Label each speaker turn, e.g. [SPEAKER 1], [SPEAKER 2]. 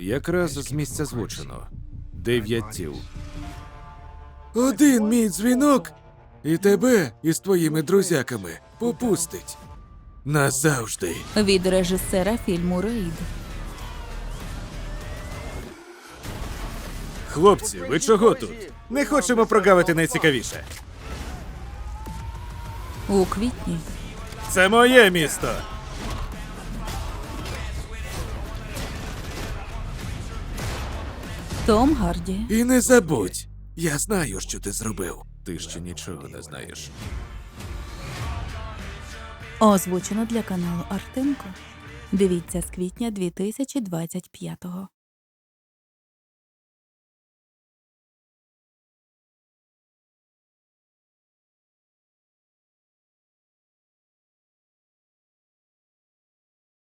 [SPEAKER 1] Якраз з місця злочину. 9 тіл.
[SPEAKER 2] Один мій дзвінок, і тебе із твоїми друзяками попустить. Назавжди.
[SPEAKER 3] Від режисера фільму «Рейд».
[SPEAKER 1] Хлопці, ви чого тут? Не хочемо прогавити найцікавіше.
[SPEAKER 3] У квітні.
[SPEAKER 1] Це моє місто.
[SPEAKER 3] Том Гарді.
[SPEAKER 2] І не забудь, я знаю, що ти зробив.
[SPEAKER 1] Ти ще нічого не знаєш.
[SPEAKER 3] Озвучено для каналу Артемко. Дивіться з квітня 2025-го.